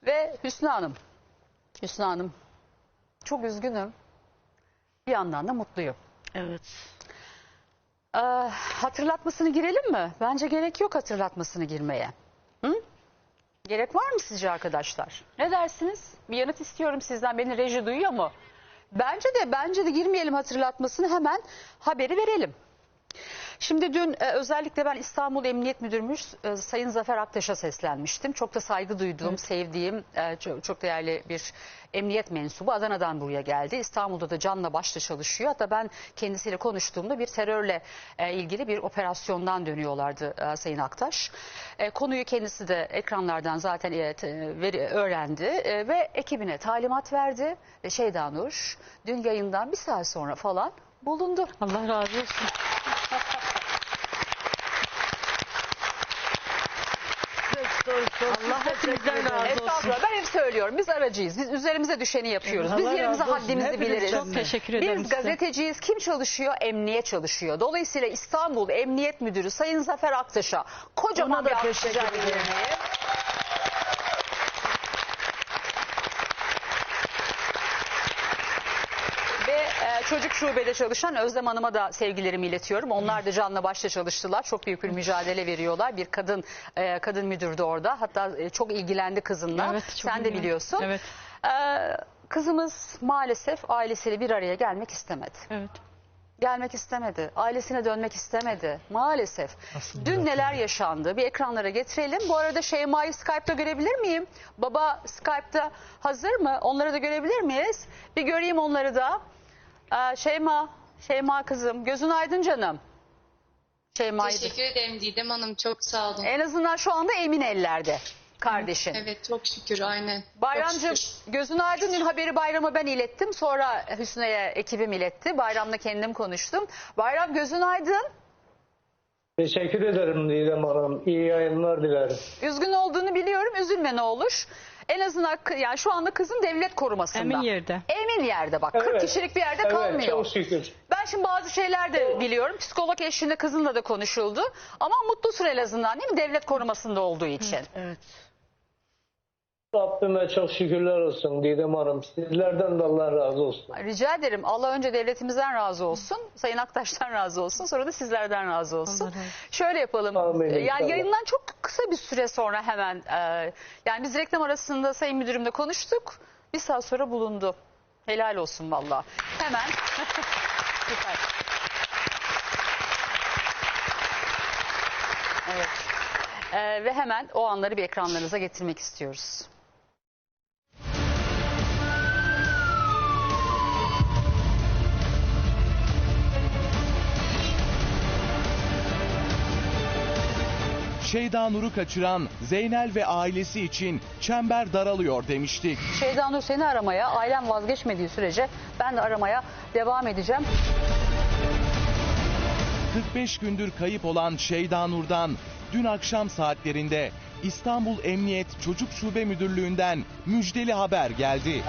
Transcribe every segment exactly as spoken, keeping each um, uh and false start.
Ve Hüsnü Hanım, Hüsnü Hanım çok üzgünüm. Bir yandan da mutluyum. Evet. Ee, hatırlatmasını girelim mi? Bence gerek yok hatırlatmasını girmeye. Hı? Gerek var mı sizce arkadaşlar? Ne dersiniz? Bir yanıt istiyorum sizden. Beni reji duyuyor mu? Bence de bence de girmeyelim hatırlatmasını, hemen haberi verelim. Şimdi dün e, özellikle ben İstanbul Emniyet Müdürümüz e, Sayın Zafer Aktaş'a seslenmiştim. Çok da saygı duyduğum, evet. sevdiğim e, çok, çok değerli bir emniyet mensubu. Adana'dan buraya geldi. İstanbul'da da canla başla çalışıyor. Hatta ben kendisiyle konuştuğumda bir terörle e, ilgili bir operasyondan dönüyorlardı e, Sayın Aktaş. E, konuyu kendisi de ekranlardan zaten e, veri, öğrendi e, ve ekibine talimat verdi. E, Şeyda Nur dün yayından bir saat sonra falan bulundu. Allah razı olsun. Allah hepimizden razı olsun. Ben hep söylüyorum, biz aracıyız. Biz üzerimize düşeni yapıyoruz. Biz Allah yerimize haddimizi biliriz. Çok teşekkür ederim Biz size. gazeteciyiz. Kim çalışıyor? Emniyet çalışıyor. Dolayısıyla İstanbul Emniyet Müdürü Sayın Zafer Aktaş'a kocaman bir alkış rica ederim. Çocuk şubede çalışan Özlem Hanım'a da sevgilerimi iletiyorum. Onlar da canla başla çalıştılar. Çok büyük bir mücadele veriyorlar. Bir kadın e, kadın müdürdü orada. Hatta e, çok ilgilendi kızınla. Evet, sen de biliyorsun. Evet. E, kızımız maalesef ailesiyle bir araya gelmek istemedi. Evet. Gelmek istemedi. Ailesine dönmek istemedi. Maalesef. Aslında dün neler yaşandı? Bir ekranlara getirelim. Bu arada Şeyma'yı Skype'da görebilir miyim? Baba Skype'da hazır mı? Onları da görebilir miyiz? Bir göreyim onları da. Ee, Şeyma, Şeyma kızım, gözün aydın canım. Şeyma'yı Teşekkür ederim Didem Hanım, çok sağ olun. En azından şu anda emin ellerde kardeşin. Evet, çok şükür, aynen. Bayramcığım, gözün aydın, dün haberi Bayram'a ben ilettim. Sonra Hüsnü'ye ekibim iletti. Bayram'la kendim konuştum. Bayram, gözün aydın. Teşekkür ederim Didem Hanım. İyi yayınlar dilerim. Üzgün olduğunu biliyorum. Üzülme ne olur. En azından yani şu anda kızın devlet korumasında. Emin yerde. Emin yerde bak. Evet. kırk kişilik bir yerde Evet, kalmıyor. çok şükür. Ben şimdi bazı şeyler de biliyorum. Psikolog eşliğinde kızınla da konuşuldu. Ama mutlusun en azından, değil mi? Devlet korumasında olduğu için. Evet. Rabbime çok şükürler olsun Didem Hanım. Sizlerden de Allah razı olsun. Rica ederim. Allah önce devletimizden razı olsun. Sayın Aktaş'tan razı olsun. Sonra da sizlerden razı olsun. Allah razı olsun. Şöyle yapalım. Amin, yani inşallah. yayından çok kısa bir süre sonra hemen e, yani biz reklam arasında Sayın Müdürümle konuştuk. Bir saat sonra bulundu. Helal olsun valla. Hemen. Süper. Evet. E, ve hemen o anları bir ekranlarınıza getirmek istiyoruz. Şeyda Nur'u kaçıran Zeynel ve ailesi için çember daralıyor demiştik. Şeyda Nur seni aramaya, ailem vazgeçmediği sürece ben de aramaya devam edeceğim. kırk beş gündür kayıp olan Şeyda Nur'dan dün akşam saatlerinde İstanbul Emniyet Çocuk Şube Müdürlüğü'nden müjdeli haber geldi.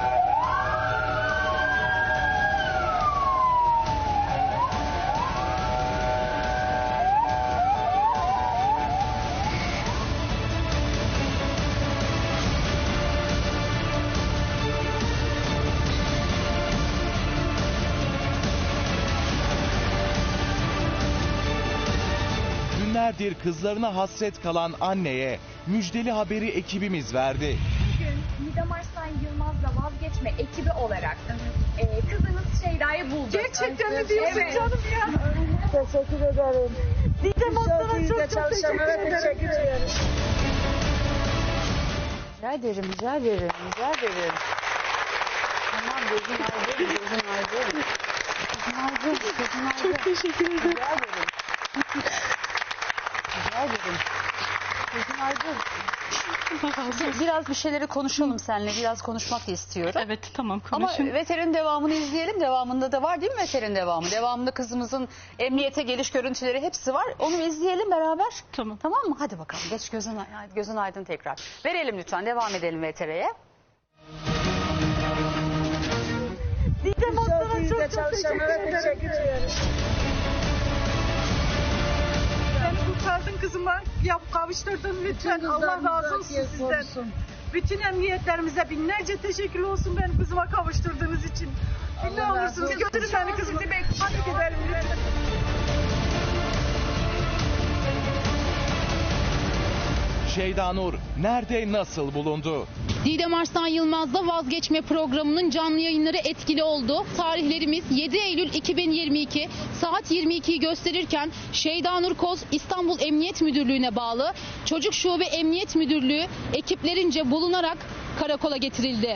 Günlerdir kızlarına hasret kalan anneye müjdeli haberi ekibimiz verdi. Bugün Didem Arslan Yılmaz'la vazgeçme ekibi olarak e, kızınız Şeyda'yı bulduk. Gerçekten mi diyorsun evet. canım ya? Teşekkür ederim. Didem Aslan'a çok çok teşekkür ederim. Teşekkür ederim. Rica ederim, rica ederim, rica ederim. Tamam, gözün aydın, gözün aydın. Gözün aydın, gözün aydın. Çok teşekkür ederim. Rica ederim. Rica ederim. Gözün aydın. Biraz bir şeyleri konuşalım seninle. Biraz konuşmak da istiyorum. Evet, tamam, Ama konuşun. Veter'in devamını izleyelim. Devamında da var değil mi Veter'in devamı? Devamında kızımızın emniyete geliş görüntüleri hepsi var. Onu izleyelim beraber. Tamam. Tamam mı? Hadi bakalım. Geç gözün, gözün aydın tekrar. Verelim lütfen. Devam edelim Veter'e. Didem Aslan'a çok çok teşekkür ederim. Beni kurtardın kızıma. Ya kavuşturdun lütfen. Allah razı olsun sizden. Bütün emniyetlerimize binlerce teşekkür olsun beni kızıma kavuşturduğunuz için. Ne olursunuz götürün beni kızımı. Hadi gidelim lütfen. Şeyda Nur nerede, nasıl bulundu? Didem Arslan Yılmaz'da vazgeçme programının canlı yayınları etkili oldu. Tarihlerimiz yedi Eylül iki bin yirmi iki saat yirmi ikiyi gösterirken Şeyda Nur Koz İstanbul Emniyet Müdürlüğü'ne bağlı Çocuk Şube Emniyet Müdürlüğü ekiplerince bulunarak karakola getirildi.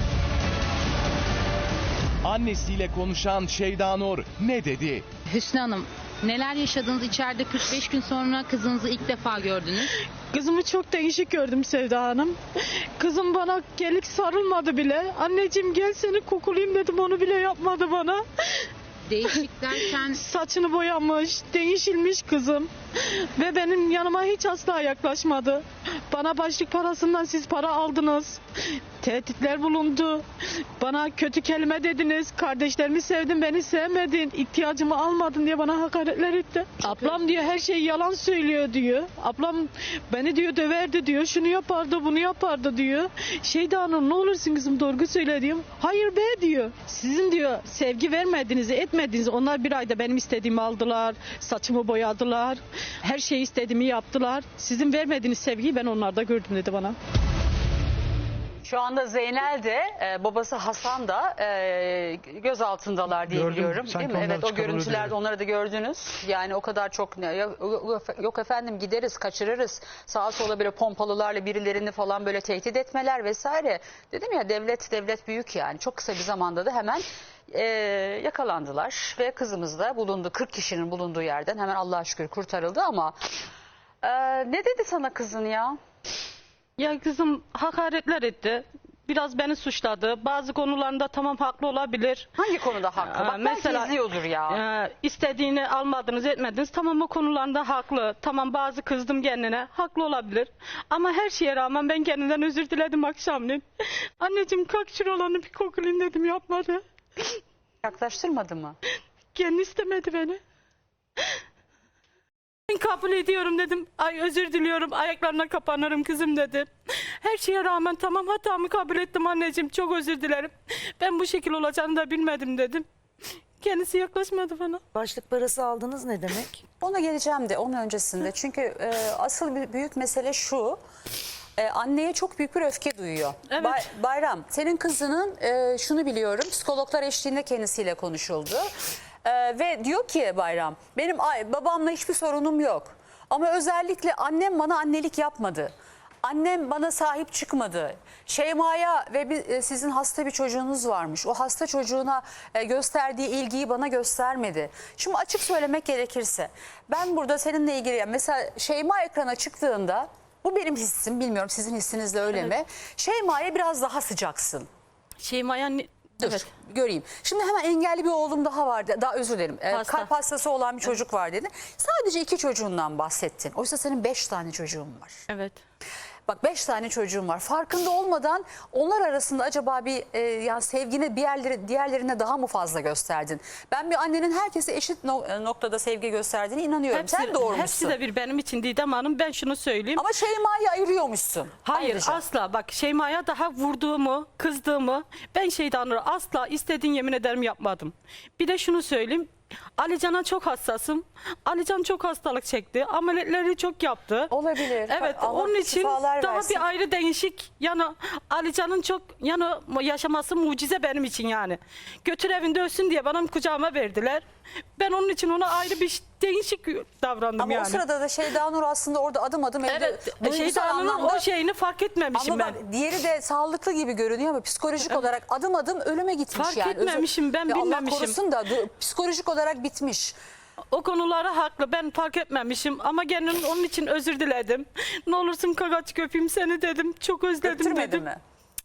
Annesiyle konuşan Şeyda Nur ne dedi? Hüsnü Hanım, neler yaşadınız içeride? kırk beş gün sonra kızınızı ilk defa gördünüz. Kızımı çok değişik gördüm Sevda Hanım. Kızım bana gelip sarılmadı bile. Anneciğim gel seni kokulayım dedim, onu bile yapmadı bana. Değişik derken Saçını boyamış, değişilmiş kızım. Ve benim yanıma hiç asla yaklaşmadı. Bana başlık parasından siz para aldınız. Tehditler bulundu. Bana kötü kelime dediniz. Kardeşlerimi sevdin, beni sevmedin. İhtiyacımı almadın diye bana hakaretler etti. Ablam diyor her şey yalan söylüyor diyor. Ablam beni diyor döverdi diyor. Şunu yapardı, bunu yapardı diyor. Şeyda Hanım ne olursun kızım doğru söyle diyorum. Hayır be diyor. Sizin diyor sevgi vermediğinizi, etmediğinizi, onlar bir ayda benim istediğimi aldılar. Saçımı boyadılar. Her şeyi istediğimi yaptılar. Sizin vermediğiniz sevgiyi ben onlarda gördüm dedi bana. Şu anda Zeynel de e, babası Hasan da e, gözaltındalar diye Gördüm, biliyorum. sanki Değil mi? onlar Evet, o çıkarılıyor görüntülerde diyor. onları da gördünüz. Yani o kadar çok ne- yok, yok efendim gideriz, kaçırırız. Sağa sola böyle pompalılarla birilerini falan böyle tehdit etmeler vesaire. Dedim ya, devlet devlet büyük yani. Çok kısa bir zamanda da hemen e, yakalandılar ve kızımız da bulundu. kırk kişinin bulunduğu yerden hemen Allah'a şükür kurtarıldı ama e, ne dedi sana kızın ya? Ya kızım hakaretler etti. Biraz beni suçladı. Bazı konularında tamam haklı olabilir. Hangi konuda haklı? Aa, Bak belki izliyordur ya. e, istediğini almadınız etmediniz. Tamam o konularında haklı. Tamam bazı kızdım kendine. Haklı olabilir. Ama her şeye rağmen ben kendinden özür diledim akşamleyin. Anneciğim kalk şuralarını bir kokulayım dedim, yapmadı. Yaklaştırmadı mı? Kendi istemedi beni. Ben kabul ediyorum dedim. Ay özür diliyorum, ayaklarına kapanırım kızım dedi. Her şeye rağmen tamam hatamı kabul ettim anneciğim, çok özür dilerim. Ben bu şekil olacağını da bilmedim dedim. Kendisi yaklaşmadı bana. Başlık parası aldınız ne demek? Ona geleceğim de onun öncesinde. Çünkü e, asıl bir büyük mesele şu. E, anneye çok büyük bir öfke duyuyor. Evet. Bay- Bayram, senin kızının e, şunu biliyorum. Psikologlar eşliğinde kendisiyle konuşuldu. E, ve diyor ki Bayram, benim ay- babamla hiçbir sorunum yok. Ama özellikle annem bana annelik yapmadı. Annem bana sahip çıkmadı. Şeyma'ya ve bir, e, sizin hasta bir çocuğunuz varmış. O hasta çocuğuna e, gösterdiği ilgiyi bana göstermedi. Şimdi açık söylemek gerekirse ben burada seninle ilgili yani mesela Şeyma ekrana çıktığında, bu benim hissim, bilmiyorum sizin hissiniz de öyle mi? Şeyma'ya biraz daha sıcaksın. Şeyma'ya ne- Dur evet. göreyim. Şimdi hemen engelli bir oğlum daha vardı. Daha özür dilerim. Ee, Hasta. kalp hastası olan bir çocuk var dedi. Sadece iki çocuğundan bahsettin. Oysa senin beş tane çocuğun var. Evet. Bak beş tane çocuğum var. Farkında olmadan onlar arasında acaba bir e, yani sevgini bir yerleri, diğerlerine daha mı fazla gösterdin? Ben bir annenin herkese eşit no- e, noktada sevgi gösterdiğine inanıyorum. Sen doğurmuşsun. hepsi de bir benim için Didem Hanım, ben şunu söyleyeyim. Ama Şeyma'yı ayırıyormuşsun. Hayır Ayrıca. asla, bak Şeyma'ya daha vurduğumu, kızdığımı ben Şeydanur'a asla istediğin yemin ederim yapmadım. Bir de şunu söyleyeyim, Alican'a çok hassasım. Alican çok hastalık çekti, ameliyatları çok yaptı. Olabilir. Evet, Bak, Allah onun için şifalar daha versin. bir ayrı değişik, yani Alican'ın çok yani yaşaması mucize benim için yani. Götür evinde ölsün diye bana kucağıma verdiler. Ben onun için ona ayrı bir değişik davrandım Ama yani. o sırada da Şeyda Nur aslında orada adım adım evde Evet, duygusal Şeydanur'un anlamda- o şeyini fark etmemişim Ama ben. bak diğeri de sağlıklı gibi görünüyor ama psikolojik olarak adım adım ölüme gitmiş Fark yani. Özür- etmemişim, ben Ya Allah bilmemişim. korusun da du- psikolojik olarak bitmiş. O konulara haklı, ben fark etmemişim ama kendim onun için özür diledim. Ne olursun kagaç köpeyim seni dedim, çok özledim Öptürmedi dedim. mi?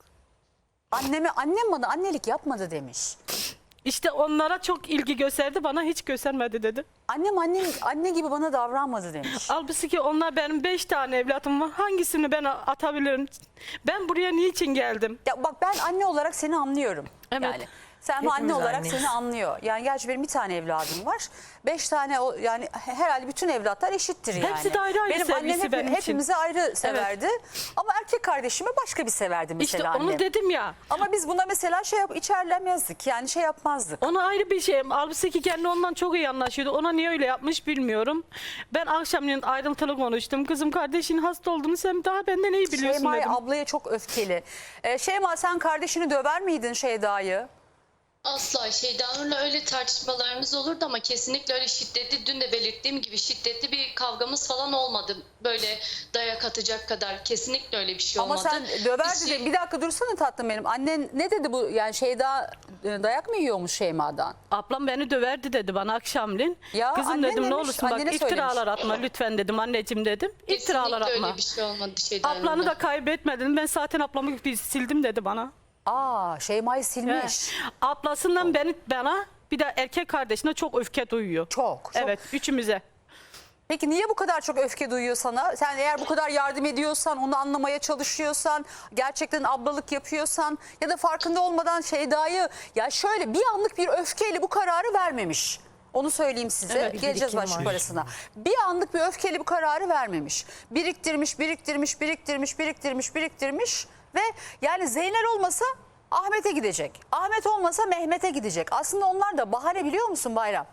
Anneme, annem bana annelik yapmadı demiş. İşte onlara çok ilgi gösterdi, bana hiç göstermedi dedi. Annem anne, anne gibi bana davranmadı demiş. Halbuki ki onlar benim beş tane evlatım var, hangisini ben atabilirim? Ben buraya niçin geldim? Ya bak ben anne olarak seni anlıyorum. Evet. Yani Selma anne Hepimiz olarak anneyiz. seni anlıyor. Yani gerçi benim bir tane evladım var. Beş tane o yani herhalde bütün evlatlar eşittir yani. Hepsi de ayrı ayrı benim annem sevgisi hep, benim için. hepimizi ayrı severdi. Ama erkek kardeşimi başka bir severdi mesela İşte annem. onu dedim ya. Ama biz buna mesela şey yap içerlemezdik. Yani şey yapmazdık. Ona ayrı bir şey. Halbuki ki kendi ondan çok iyi anlaşıyordu. Ona niye öyle yapmış bilmiyorum. Ben akşamleyin ayrıntılı konuştum. Kızım kardeşinin hasta olduğunu sen daha benden iyi biliyorsun Şeyma dedim. ablaya çok öfkeli. Ee, Şeyma sen kardeşini döver miydin Şeyda'yı? Asla Şeydanur'la öyle tartışmalarımız olurdu ama kesinlikle öyle şiddetli, dün de belirttiğim gibi şiddetli bir kavgamız falan olmadı. Böyle dayak atacak kadar kesinlikle öyle bir şey Ama olmadı. sen döverdi Biz- de bir dakika dursana tatlım benim. Annen ne dedi bu yani Şeyda e, dayak mı yiyormuş Şeyma'dan? Ablam beni döverdi dedi bana akşamleyin. Ya Kızım annen dedim ne demiş, olursun bak annene iftiralar söylemiş. atma lütfen dedim anneciğim dedim. İftiralar Kesinlikle atma. öyle bir şey olmadı Şeydanur'la. Ablanı da kaybetmedin. Ben zaten ablamı bir sildim dedi bana. Aa Şeyma'yı silmiş. He. Ablasından beni bana bir de erkek kardeşine çok öfke duyuyor. Çok, çok. Evet üçümüze. Peki niye bu kadar çok öfke duyuyor sana? Sen eğer bu kadar yardım ediyorsan, onu anlamaya çalışıyorsan, gerçekten ablalık yapıyorsan ya da farkında olmadan Şeyda'yı ya şöyle bir anlık bir öfkeyle bu kararı vermemiş. Onu söyleyeyim size. Evet, Geleceğiz birikim başlık var. parasına. Bir anlık bir öfkeyle bu kararı vermemiş. Biriktirmiş, biriktirmiş, biriktirmiş, biriktirmiş, biriktirmiş ve yani Zeynel olmasa Ahmet'e gidecek. Ahmet olmasa Mehmet'e gidecek. Aslında onlar da bahane biliyor musun Bayram?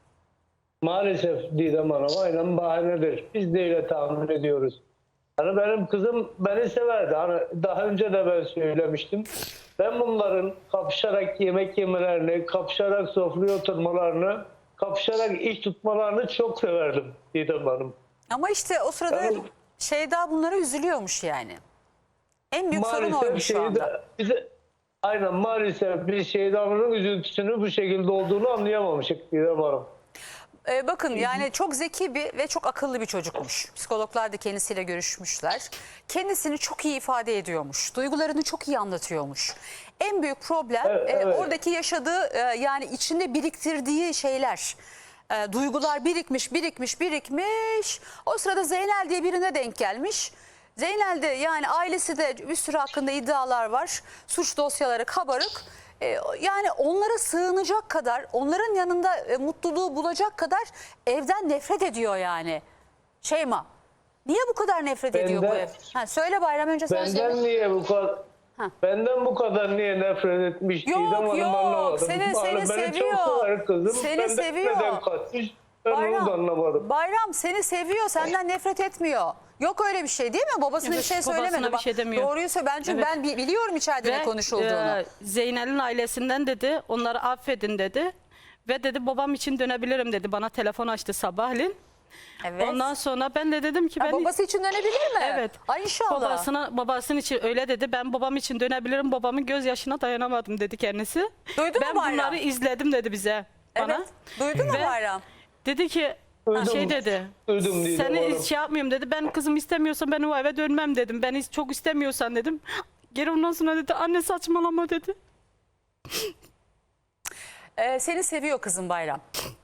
Maalesef Didem Hanım aynen bahanedir. Biz de öyle tahmin ediyoruz. Hani benim kızım beni severdi. Hani daha önce de ben söylemiştim. Ben bunların kapışarak yemek yemelerini, kapışarak sofraya oturmalarını, kapışarak iş tutmalarını çok severdim Didem Hanım. Ama işte o sırada Ben- Şeyda bunlara üzülüyormuş yani. En büyük sorun oymuş şu anda. Şeyda, bize, aynen maalesef biz Şeyda'nın üzüntüsünü bu şekilde olduğunu anlayamamıştık Didem Hanım. Ee, bakın yani çok zeki bir ve çok akıllı bir çocukmuş. Psikologlar da kendisiyle görüşmüşler. Kendisini çok iyi ifade ediyormuş. Duygularını çok iyi anlatıyormuş. En büyük problem Evet, e, evet. oradaki yaşadığı e, yani içinde biriktirdiği şeyler. E, duygular birikmiş, birikmiş, birikmiş. O sırada Zeynel diye birine denk gelmiş. Zeynel de yani ailesi de bir sürü hakkında iddialar var. Suç dosyaları kabarık. E, yani onlara sığınacak kadar, onların yanında e, mutluluğu bulacak kadar evden nefret ediyor yani. Şeyma, niye bu kadar nefret ediyor bu Benden- ev? Ha, söyle Bayram önce sen söyle. Benden niye bu kadar Ha. Benden bu kadar niye nefret etmiş Yok, Didem Hanım yok. anlamadım. Seni- Hani seni beni seviyor. çok sever kızım. Seni Benden seviyor. neden kaçmış? Ben onu da anlamadım. Bayram seni seviyor, senden nefret etmiyor. Yok öyle bir şey değil mi? Babasına Evet, bir şey babasına söylemedi. bir Bak, şey demiyor. Doğruyu söyle. Ben çünkü Evet. ben bi- biliyorum içeride ne konuşulduğunu. e, Zeynel'in ailesinden dedi onları affedin dedi. Ve dedi babam için dönebilirim dedi. Bana telefon açtı sabahleyin. Evet. Ondan sonra ben de dedim ki Ha, ben babası için dönebilir mi? Evet. Ay inşallah. babasına babasının için öyle dedi. Ben babam için dönebilirim. Babamın gözyaşına dayanamadım dedi kendisi. Duydun mu ben Bayram? bunları izledim dedi bize. Bana. Evet. Duydun mu Ve Bayram? Dedi ki Duydum. şey dedi. Duydum Didem Seni Hanım. şey yapmıyorum dedi. Ben kızım istemiyorsan ben o eve dönmem dedim. Ben is- çok istemiyorsan dedim. Geri ondan sonra dedi anne saçmalama dedi. Ee, seni seviyor kızım Bayram.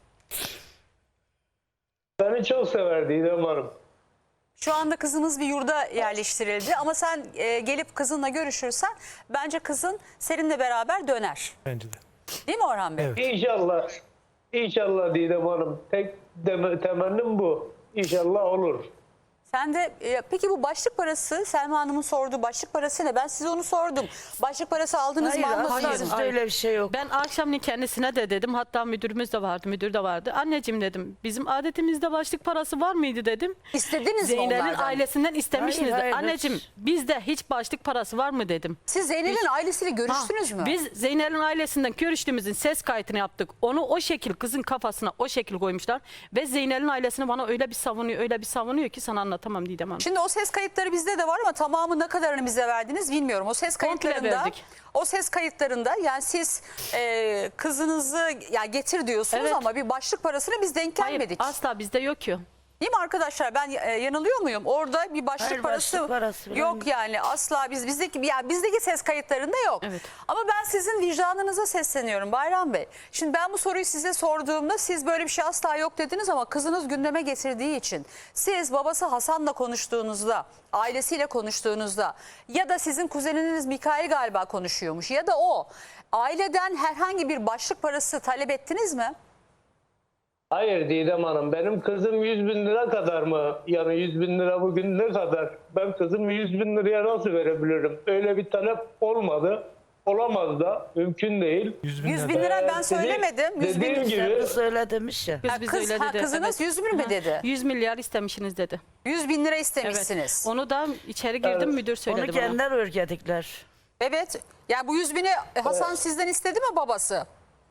Beni çok sever Didem Hanım. Şu anda kızınız bir yurda yerleştirildi ama sen e, gelip kızınla görüşürsen bence kızın seninle beraber döner. Bence de. Değil mi Orhan Bey? Evet. İnşallah. İnşallah Didem Hanım. Tek dem- temennim bu. İnşallah olur. Sen de e, peki bu başlık parası Selma Hanım'ın sorduğu başlık parası ne? Ben size onu sordum. Başlık parası aldınız mı? Hayır, almadınız hayır, mı? bizde öyle bir şey yok. Ben akşamleyin kendisine de dedim. Hatta müdürümüz de vardı, müdür de vardı. Anneciğim dedim. Bizim adetimizde başlık parası var mıydı dedim. İstediniz mi Zeynel'in onlardan? ailesinden istemişsiniz. Hayır, hayır, Anneciğim bizde hiç başlık parası var mı dedim. Siz Zeynel'in ailesiyle görüştünüz Ha, mü? Biz Zeynel'in ailesinden görüştüğümüzün ses kaydını yaptık. Onu o şekil kızın kafasına o şekil koymuşlar. Ve Zeynel'in ailesini bana öyle bir savunuyor, öyle bir savunuyor ki sana anlatamam Didem Hanım. Şimdi o ses kayıtları bizde de var ama tamamı ne kadarını bize verdiniz bilmiyorum. O ses Komple kayıtlarında verdik. o ses kayıtlarında yani siz e, kızınızı ya getir diyorsunuz Evet. ama bir başlık parasına biz denk Hayır gelmedik. asla bizde yok ki. Değil mi arkadaşlar? Ben e, yanılıyor muyum? Orada bir başlık Hayır, parası, başlık parası falan yok yok. yani asla biz bizdeki yani bizdeki ses kayıtlarında yok. Evet. Ama ben sizin vicdanınıza sesleniyorum Bayram Bey. Şimdi ben bu soruyu size sorduğumda siz böyle bir şey asla yok dediniz ama kızınız gündeme getirdiği için siz babası Hasan'la konuştuğunuzda, ailesiyle konuştuğunuzda ya da sizin kuzeniniz Mikail galiba konuşuyormuş ya da o aileden herhangi bir başlık parası talep ettiniz mi? Hayır Didem Hanım, benim kızım yüz bin lira kadar mı? Yani yüz bin lira bugün ne kadar? Ben kızımı yüz bin liraya nasıl verebilirim? Öyle bir talep olmadı. Olamaz da, mümkün değil. yüz bin lira ben Ee, söylemedim. yüz bin dediğim lira. gibi Kız öyle demiş ya. Kız Ha, bize kız- öyle ha, dedi. kızınız yüz bin mi Ha, dedi? yüz milyar istemişsiniz dedi. yüz bin lira Evet. istemişsiniz. Onu da içeri girdim Evet. müdür Onu söyledi bana. kendiler örgütledikler. Evet. Ya bu yüz bini Hasan sizden istedi mi babası?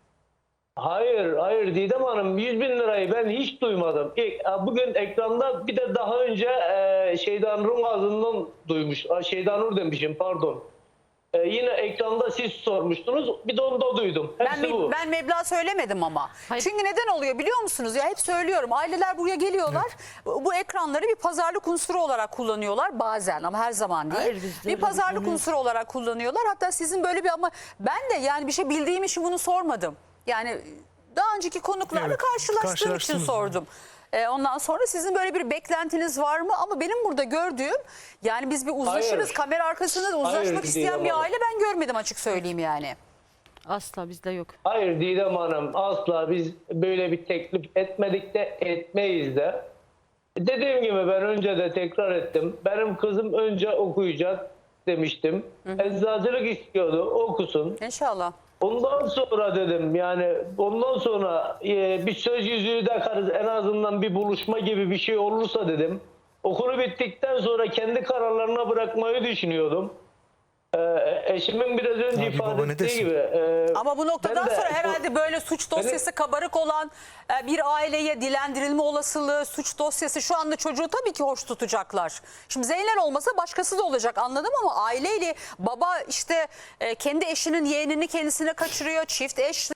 hayır, hayır Didem Hanım, yüz bin lirayı ben hiç duymadım. İlk, bugün ekranda bir de daha önce e, Şeyda Nur'un ağzından duymuş. Aa, Şeyda Nur demişim, pardon. E, yine ekranda siz sormuştunuz. Bir de onu da duydum. Ben, Hepsi me- bu. ben meblağ söylemedim ama. Hayır. Çünkü neden oluyor biliyor musunuz? Ya hep söylüyorum. Aileler buraya geliyorlar. Bu bu ekranları bir pazarlık unsuru olarak kullanıyorlar bazen ama her zaman değil. Hayır, bizde bir öyle pazarlık bir konu yok. unsuru olarak kullanıyorlar. Hatta sizin böyle bir ama ben de yani bir şey bildiğim için bunu sormadım. Yani daha önceki konuklarla Evet, karşılaştığım için karşılaştınız. sordum. Ee, ondan sonra sizin böyle bir beklentiniz var mı? Ama benim burada gördüğüm yani biz bir uzlaşırız. Hayır. Kamera arkasında da uzlaşmak Hayır, isteyen Didem bir Hanım. aile ben görmedim açık söyleyeyim yani. Asla bizde yok. Hayır Didem Hanım, asla biz böyle bir teklif etmedik de etmeyiz de. Dediğim gibi ben önce de tekrar ettim. Benim kızım önce okuyacak demiştim. Eczacılık istiyordu, okusun. İnşallah. Ondan sonra dedim yani ondan sonra e, bir söz yüzüğü takarız, en azından bir buluşma gibi bir şey olursa dedim. Okulu bittikten sonra kendi kararlarına bırakmayı düşünüyordum. Ee, eşimin biraz önce Abi baba ifade ne ettiği desin? gibi. e, Ama bu noktadan ben de- sonra herhalde böyle suç dosyası kabarık olan e, bir aileye dilendirilme olasılığı, suç dosyası şu anda çocuğu tabii ki hoş tutacaklar. Şimdi Zeynel olmasa başkası da olacak anladım ama aileyle baba işte e, kendi eşinin yeğenini kendisine kaçırıyor, çift eş.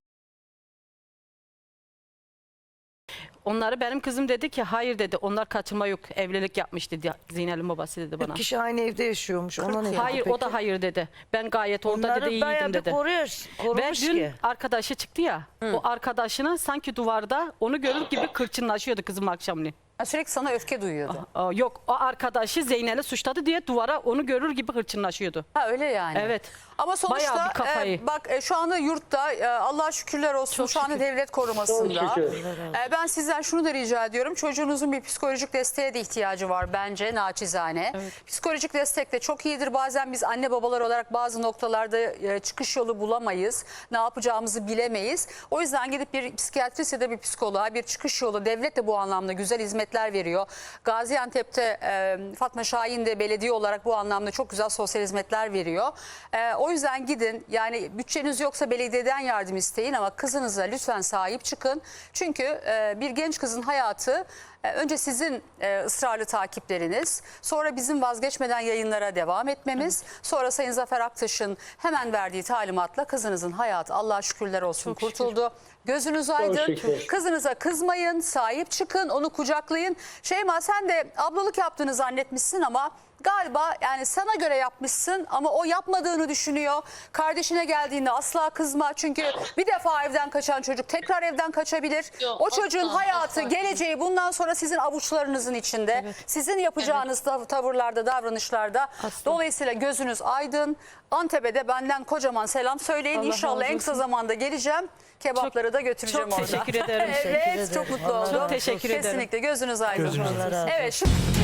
Onları benim kızım dedi ki hayır dedi. Onlar kaçırma yok. Evlilik yapmış dedi. Zeynel'in babası dedi bana. Bir kişi aynı evde yaşıyormuş. Ona ne Hayır peki? o da hayır dedi. Ben gayet orada Onları dedi bayağı iyiydim bir dedi. koruyor, Ve korumuş dün ki. arkadaşı çıktı ya. O arkadaşına sanki duvarda onu görür gibi kırçınlaşıyordu kızım akşamleyin. Ha, sürekli sana öfke duyuyordu. Aa, yok o arkadaşı Zeynel'i suçladı diye duvara onu görür gibi hırçınlaşıyordu. Ha öyle yani. Evet. Ama sonuçta Bayağı bir kafayı. e, bak e, şu anda yurtta e, Allah'a şükürler olsun Çok şu anda şükür. devlet korumasında. Çok şükür. E, ben sizden şunu da rica ediyorum. Çocuğunuzun bir psikolojik desteğe de ihtiyacı var bence naçizane. Psikolojik destek de çok iyidir. Bazen biz anne babalar olarak bazı noktalarda e, çıkış yolu bulamayız. Ne yapacağımızı bilemeyiz. O yüzden gidip bir psikiyatrist ya da bir psikoloğa bir çıkış yolu, devlet de bu anlamda güzel hizmetler veriyor. Gaziantep'te e, Fatma Şahin de belediye olarak bu anlamda çok güzel sosyal hizmetler veriyor. E, o yüzden gidin yani bütçeniz yoksa belediyeden yardım isteyin ama kızınıza lütfen sahip çıkın. Çünkü e, bir genç kızın hayatı e, önce sizin e, ısrarlı takipleriniz, sonra bizim vazgeçmeden yayınlara devam etmemiz, sonra Sayın Zafer Aktaş'ın hemen verdiği talimatla kızınızın hayatı Allah'a şükürler olsun Çok şükür. kurtuldu. Gözünüz aydın. şükür. Kızınıza kızmayın, sahip çıkın, onu kucaklayın. Şeyma sen de ablalık yaptığını zannetmişsin ama galiba yani sana göre yapmışsın ama o yapmadığını düşünüyor. Kardeşine geldiğinde asla kızma çünkü bir defa evden kaçan çocuk tekrar evden kaçabilir. Yok, o çocuğun asla, hayatı, asla. geleceği bundan sonra sizin avuçlarınızın içinde. Sizin yapacağınız tav- tavırlarda, davranışlarda. Asla. Dolayısıyla gözünüz aydın. Antep'e de benden kocaman selam söyleyin. Allah İnşallah razı en kısa olsun. zamanda geleceğim. Kebapları da götüreceğim çok orada. teşekkür ederim. Evet, Teşekkür çok ederim. mutlu Allah oldum. razı olsun. Teşekkür ederim. Kesinlikle gözünüz aydın. Gözünüz aydın. Evet, şu